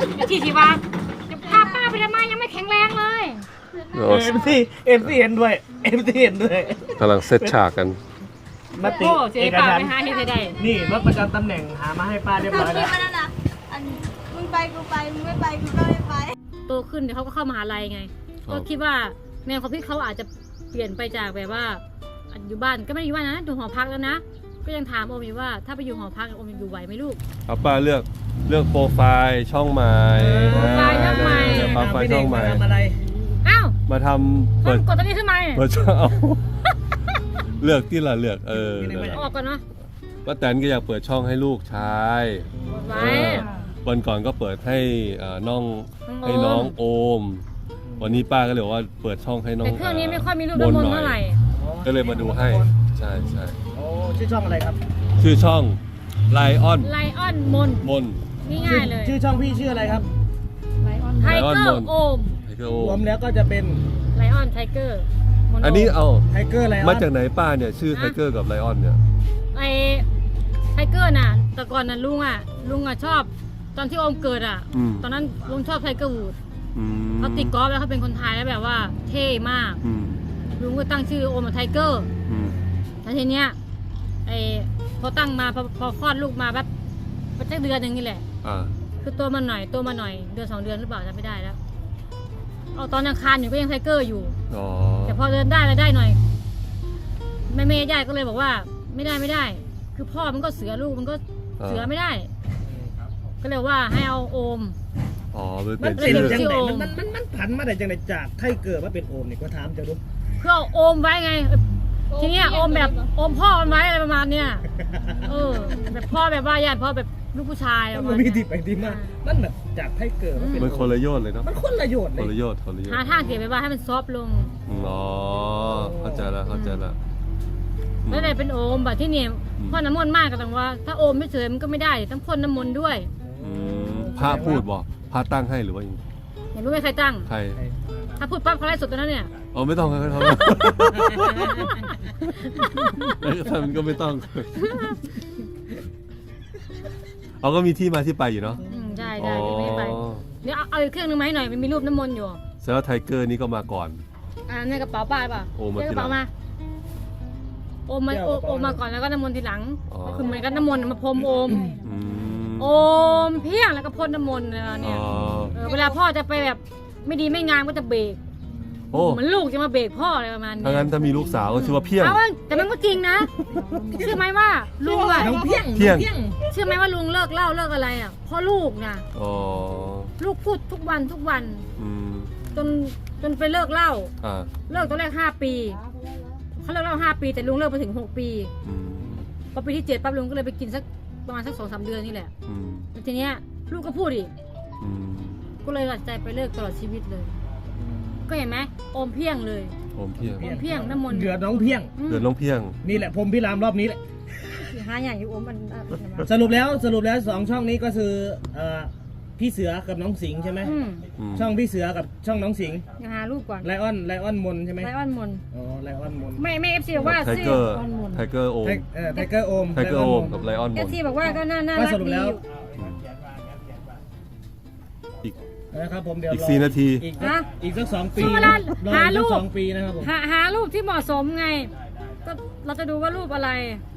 ที่ว่าจะพาป้าไปทำไมยังไม่แข็งแรงเลยเอ็มซีเห็นด้วยเอ็มซีเห็นด้วยกำลังเซตฉากกันมติโอ้เจ๊เอกป้าฉันไปท์หาเฮ็ดให้ได้นี่รถประจำตำแหน่งหามาให้ป้าเรียบเขาร้อยคิแล้ดวว่านั่นน่ะอันมึงไปกูไปมึงไม่ไปกูก็ไม่ไปโตขึ้นเดี๋ยวเขาก็เข้ามหาลัยไงก็คิดว่าแนวความคิดเขาอาจจะเปลี่ยนไปจากแบบว่าอยู่บ้านก็ไม่ได้อยู่บ้านนะอยู่หอพักแล้วนะก็ยังถามโอมอยู่ว่าถ้าไปอยู่หอพักโอมอยู่ไหวไหมลูกเอาป้าเลือกโปรไฟล์ช่องใหม่โปรไฟล์ช่องใหม่โปรไฟล์ช่องใหม่ทำอะไรอ้าวมาทำต้เปิอดงกดตัวนี้ขึ้นมาเปิดช่องเอาเลือกที่ละเลือกออกก่อนเนาะป้าแตนก็อยากเปิดช่องให้ลูกชายไว้วันก่อนก็เปิดให้น้องน้ให้องโอมน้องโอม วันนี้ป้าก็เลยบอกว่าเปิดช่องให้น้องแต่เครื่องนี้ไม่ค่อยมีรูปน้ำมนต์เท่าไหร่ก็เลยมาดูให้ใช่ใช่โอ้ชื่อช่องอะไรครับชื่อช่องไลออนไลออนมนมนนี่ง่ายเลยชื่อช่องพี่ชื่ออะไรครับไทเกอ Lion ร์ Mon โอมไทเกอร์โอรวมมแล้วก็จะเป็นไลออนไทเกอร์โมโอันนี้เอาไทเกอร์อะไรมาจากไหนป้าเนี่ยชื่อไทเกอร์กับไลออนเนี่ยไอไทเกอร์น่ะแต่ก่อนน่ะลุงอ่ะชอบตอนที่โอมเกิดอ่ะอืมตอนนั้นลุงชอบไทเกอร์วูดอืมเขาตีกอล์ฟแล้วเขาเป็นคนไทยแล้วแบบว่าเท่มากอืมลุงก็ตั้งชื่อโอมว่าไทเกอร์อืมแล้วทีเนี้ยไอพอตั้งมาพอคลอดลูกมาแบบประมาณเดือนหนึ่งนี่แหละอ่าคือตัวมาหน่อยเดือน2 เดือนหรือเปล่าจำไม่ได้แล้วเอาตอนยังคานอยู่ก็ยังไทเกอร์อยู่อ๋อแต่พอเดินได้แล้วได้หน่อยแม่ญาติก็เลยบอกว่าไม่ได้ คือพ่อมันก็เสือลูกมันก็เสือไม่ได้ ก็เลยว่าให้เอาโอมอ๋อมันมัเป็น นเป็นชื่อจังไหนโอมมันผันมาได้จังไหนจากไทเกอร์มาเป็นโอมนี่ก็ถามเจ้าดูเพื่อเอาโอมไว้ไง ทีเนี้ยโอมแบบโอมพ่อมันไว้อะไรประมาณเนี้ยแบบพ่อแบบว่าญาติพ่อแบบลูกผู้ชายประมัมาณนมีเนี้ยที่ไปที่มามันแบบจากไทเกอร์มาเป็นมันคนละโยชน์เลยเนาะมันคนละโยชน์เลคนละยโยชน์คนละโยชหาน์ทางเสียไปว่าให้มันซอฟต์ลงอ๋อเข้าใจละเข้าใจละแล้วได้เป็นโอมแบบที่เนี่ยพ่อน้ำมนต์มากก็ต้องว่า ถ้าโอมไม่เฉยมันก็ไม่ได้ต้องพ่นน้ำมนต์ด้วยอืมพระพูดบอกพระตั้งให้หรือว่ายังไงเห็นรู้ไหมใครตั้งใครถ้าพูดปั๊บเขาไล่สดตัวนั้นเนี่ยอ๋อไม่ต้องครับท่านก็ไม่ต้องเอาก็มีที่มาที่ไปอยู่เนาะใช่อ๋อไม่ไปเดี๋ยวเอาอีกเครื่องนึงมาให้หน่อยมันมีรูปน้ำมนต์อยู่แสดงว่าไทเกอร์นี่ก็มาก่อนในกระเป๋าป้าป่ะโอมมาในทีกระหลัเป๋าง มาโอมมาก่อนแล้วก็น้ำมนต์ทีหลังอ๋อคือเหมือนกันน้ำมนต์มาพรมโอมอืมโอมเพียงแล้วก็พ่นน้ำมนต์อะไรเนี่ยอ๋อเวลาพ่อจะไปแบบไม่ดีไม่งามก็จะเบรกโอ้เหมือนลูกจะมาเบรกพ่ออะไรประมาณนี้ถ้างั้นถ้ามีลูกสาวก็ชื่อว่าเพียงเอาแต่มันก็จริงนะเชื่อไหมว่าลุงอะน้องเพียงเพียงเชื่อไหมว่าลุงเลิกเหล้าเลิกอะไรอ่ะเพราะลูกนะอ๋อลูกพูดทุกวันอืมจนไปเลิกเหล้าอ่าเลิกตอนแรก5 ปีเขาเลิกเหล้า5 ปีแต่ลุงเลิกไปถึง6 ปีอืมพอปีที่7ปั๊บลุงก็เลยไปกินสักประมาณสัก2-3 เดือนนี่แหละอืมแล้วทีเนี้ยลูกก็พูดอีกอืมก็เลยตัดใจไปเลิกตลอดชีวิตเลย ก็เห็นไหมโอมเพียงเลยโอมเพียงโอมเพียงน้ำมนต์เดือดน้องเพียงเดือนน้องเพียงนี่แหละผมพี่รามรอบนี้แหละหาอย่างอยู่โอมมันสรุปแล้ว2 ช่องนี้ก็คือพี่เสือกับน้องสิงห์ใช่ไหมอืมช่องพี่เสือกับช่องน้องสิงห์ยังหารูปก่อนไลออนมนใช่ไหมไลออนมนอ๋อไลออนมนไม่เอฟซีบอกว่าไทชื่เกออร์ไทเกอร์โอมไทเกอร์โอมไทเกอร์โอมกับไลออนมเอฟนซีบอกว่าก็น่าก็รักสรุปดีแล้วอีกนะครับผมเดี๋ยวอีกร 4 นาทีอีกสัก2 ปีช่วงเวลารอหาอีกรูสักป 2 ปีนะครับผมหารูปที่เหมาะสมไง ก็เราจะดูว่ารูปอะไร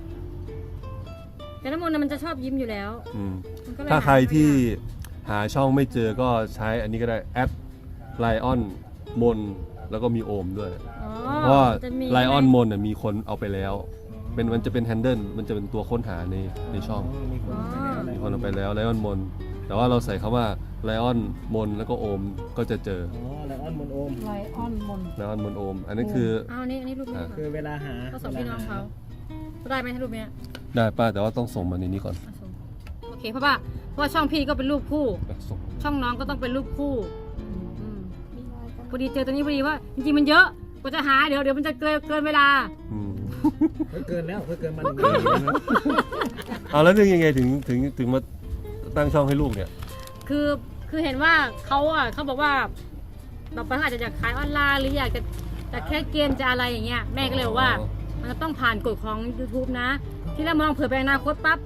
แต่น้ำมนต์น่ะมันจะชอบยิ้มอยู่แล้วอืมมันก็เลยถ้าใครหไม่ที่ยากหาช่องไม่เจอก็ใช้อันนี้ก็ได้แอดไลออนมนแล้วก็มีโอมด้วยอ๋อเพราะว่าจะมีไลออนมนมีคนเอาไปแล้วมันจะเป็นแฮนเดิลมันจะเป็นตัวค้นหาในช่องมีคนไปแล้วอะไรมีคนเอาไปแล้วไลออนมนแต่ว่าเราใส่คำว่าไลออนมนแล้วก็โอมก็จะเจออ๋อไลออนมนโอมไลออนมนไลออนมนโอม อันนี้คือเอาอันนี้รูปนี้คือเวลาหาก็สองพี่น้องเขาได้ไหมรูปเนี้ยได้ป้าแต่ว่าต้องส่งมาในนี้ก่อนเอาส่งโอเคเพราะว่าช่องพี่ก็เป็นรูปคู่ส่งช่องน้องก็ต้องเป็นรูปคู่อืมพอดีเจอตัวนี้พอดีว่าจริงๆมันเยอะกว่าจะหาเดี๋ยวมันจะเกินเวลาอืมเกินแล้วเกินมันเอาแล้วนึกยังไงถึงมาตั้งช่องให้ลูกเนี่ยคือเห็นว่าเขาบอกว่าเราไปอาจจะอยากขายออนไลน์หรืออยากจะแค่เกมจะอะไรอย่างเงี้ยแม่ก็เลยบอกว่า มันจะต้องผ่านกฎของ YouTube นะ ที่เรามองเผื่อไปอนาคตปั๊บ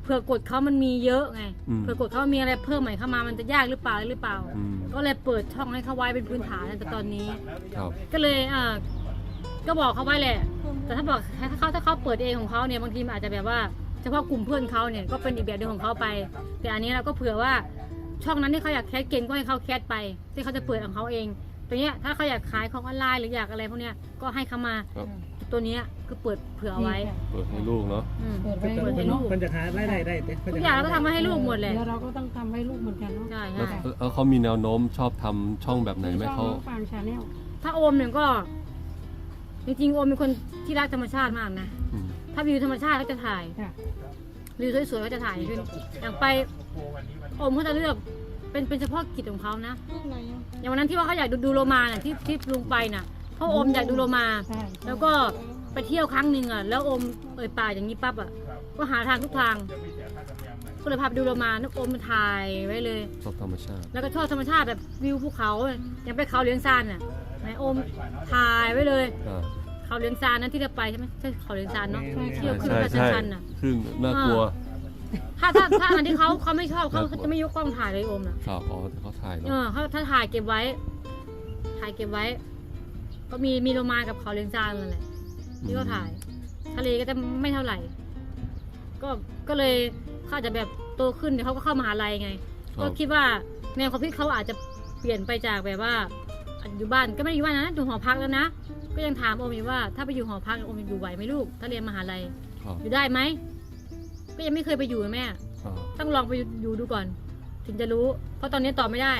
เผื่อกฎเขามันมีเยอะไงอืมเผื่อกฎเขามีอะไรเพิ่มใหม่เข้ามามันจะยากหรือเปล่าอืมก็เลยเปิดช่องให้เขาไว้เป็นพื้นฐานแต่ตอนนี้ครับก็เลยก็บอกเขาไว้แหละ แต่ถ้าบอกถ้าเขาเปิดเองของเขาเนี่ยบางทีมันอาจจะแบบว่าเฉพาะกลุ่มเพื่อนเขาเนี่ยก็เป็นอีกแบบเดียวของเขาไป แต่อันนี้เราก็เผื่อว่าช่องนั้นที่เขาอยากแคสเก่งก็ให้เขาแคสไปที่เขาจะเปิดของเขาเองตัวเนี้ยถ้าเขาอยากขายของออนไลน์หรืออยากอะไรพวกเนี้ยก็ให้เขามาครับตัวเนี้ยคือเปิดเผื่อเอาไว้เปิดให้ลูกเนาะอืมเปิดเปิไว้ดให้ลูกมันจะหารายได้ได้เด้ทุกอย่างเราก็ทำให้ลูกหมดเลยเดี๋ยวเราก็ต้องทำให้ลูกเหมือนกันเนาะใช่แล้วใช่แล้วเขามีแนวโน้มชอบทำช่องแบบไหนไหมเขาฟาร์มชาแนลถ้าโอมเนี่ยก็ จริงๆโอมเป็นคนที่รักธรรมชาติมากนะอืมถ้าวิวธรรมชาติก็จะถ่ายค่ะวิวสวยๆก็จะถ่ายขึ้นอย่างไปโอมเขาจะเลือกเป็นเฉพาะกิจของเขานะลูกไหนอ่ะอย่างวันนั้นที่ว่าเขาอยากดูโลมาน่ะที่ลุงไปน่ะเพราะโอมอยากดูโลมาใช่แล้วก็ไปเที่ยวครั้งหนึ่งอ่ะแล้วโอมปากอย่างนี้ปั๊บอ่ะก็หาทางทุกทางก็เลยพาไปดูโลมานึกโอมมันถ่ายไว้เลยชอบธรรมชาติแล้วก็ชอบธรรมชาติแบบวิวภูเขาอย่างไปเขาเลี้ยงซานน่ะไหนโอมถ่ายไว้เลยอ่าเขาเลี้ยงซานนั้นที่เราไปใช่ไหมใช่เขาเลี้ยงซานเนาะเที่ยวขึ้นใช่กระใช่ชันๆน่ะขึ้นน่ากลัวถ้าอันที่เขาไม่ชอบเขาจะไม่ยกกล้องถ่ายเลยโอมน่ะครับอ๋อเขาถ่ายเนาะเขาถ้าถ่ายเก็บไว้ ก็มีโลมากับเขาเลี้ยงซานนั่นแหละที่เขาถ่าย ทะเลก็จะไม่เท่าไหร่ ก็เลยเขาอาจจะแบบโตขึ้นเดี๋ยวเขาก็เข้ามหาลัยไง ก็คิดว่าแนวความคิดเขาอาจจะเปลี่ยนไปจากแบบว่าอยู่บ้านก็ไม่ได้อยู่บ้านนะอยู่หอพักแล้วนะ ก็ยังถามโอมอยู่ว่า ถ้าไปอยู่หอพักโอมอยู่ไหวไหมลูก ถ้าเรียนมหาลัยครับอยู่ได้ไหม ก็ยังไม่เคยไปอยู่นะแม่อ่าต้องลองไปอยู่ดูก่อน ถึงจะรู้ เพราะตอนนี้ตอบไม่ได้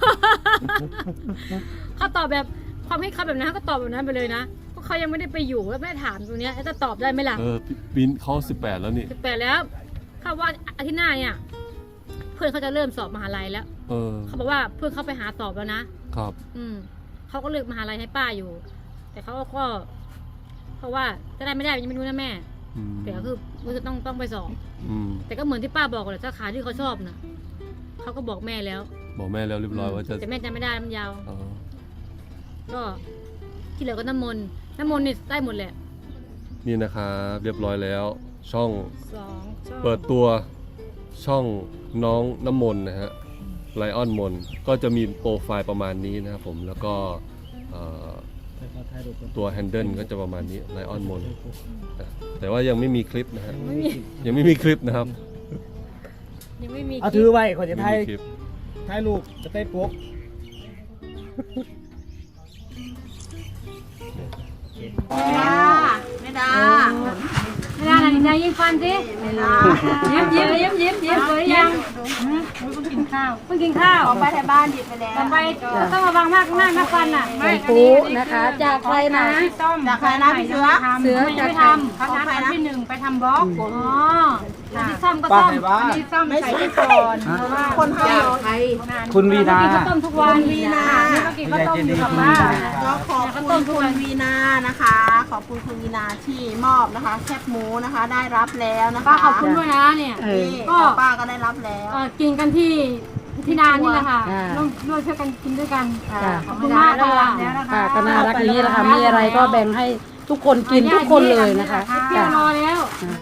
เขาตอบแบบความคิดเขาแบบนั้นเขาก็ตอบแบบนั้นไปเลยนะเพราะเขายังไม่ได้ไปอยู่แล้วไม่ได้ถามตรงเนี้ยจะตอบได้ไหมล่ะปีนเขา18แล้วนี่ 18แล้วเขาว่าอาทิตย์หน้าเนี่ยเพื่อนเขาจะเริ่มสอบมหาลัยแล้วเออเขาบอกว่าเพื่อนเขาไปหาสอบแล้วนะครับ เขาก็เลือกมหาลัยให้ป้าอยู่ แต่เขาก็เพราะว่าจะได้ไม่ได้ยังไม่รู้นะแม่อืมแต่ก็คือรู้สึกต้องไปสอบอืมแต่ก็เหมือนที่ป้าบอกแหละสาขาที่เขาชอบนะเขาก็บอกแม่แล้วบอกแม่แล้วเรียบร้อยว่าจะแต่แม่จำไม่ได้มันยาวอ๋อก็ที่เหลือก็น้ำมนต์นี่ได้หมดแหละนี่นะครับเรียบร้อยแล้ว ช่อง 2 ช่องเปิดตัวช่องน้องน้ำมนต์นะฮะไลออนมนก็จะมีโปรไฟล์ประมาณนี้นะครับผมแล้วก็ตัวแฮนเดิลก็จะประมาณนี้ไลออนมนแต่ว่ายังไม่มีคลิปนะฮะไม่มียังไม่มีคลิปนะครับยังไม่มีเอาถือไว้ขอจะไม่ถ่ายมีคลิปถ่ายรูปจะได้ปุ๊กไม่ได้ไม่ได้นะนายยิ้มฟันสิยิ้มสวยยังเพิ่งกินข้าวเพิ่งกินข้าวออกไปที่บ้านหยิบไปแล้วต่อไปต้องระวังมากนะฟันอ่ะไม่ปูนะคะ จากใครนะจากใครนะพี่เสือเสือไม่จากไปใครทำของใครนะไปทำบล็อกอ๋อที่ซ่อมก็ซ่อมที่ซ่อมใส่ไปก่อนเพราะว่าคนให้เหรอคุณวีนากินข้าวต้มทุกวันวีนาก็กินข้าวต้มอยู่กับบ้านก็ขอบคุณคุณวีนานะคะ ขอบคุณคุณวีนาที่มอบนะคะ แคบหมูนะคะ ได้รับแล้วนะคะป้าขอบคุณด้วยนะเนี่ยนี่ของป้าก็ได้รับแล้วกินกันที่นานนี่แหละค่ะอ่าร่วมช่วยกันกินด้วยกันค่ะขอบคุณมากค่ะค่ะก็น่ารักอย่างนี้แหละค่ะมีอะไรก็แบ่งให้ทุกคนกินทุกคนเลยนะคะเที่ยวนอนแล้ว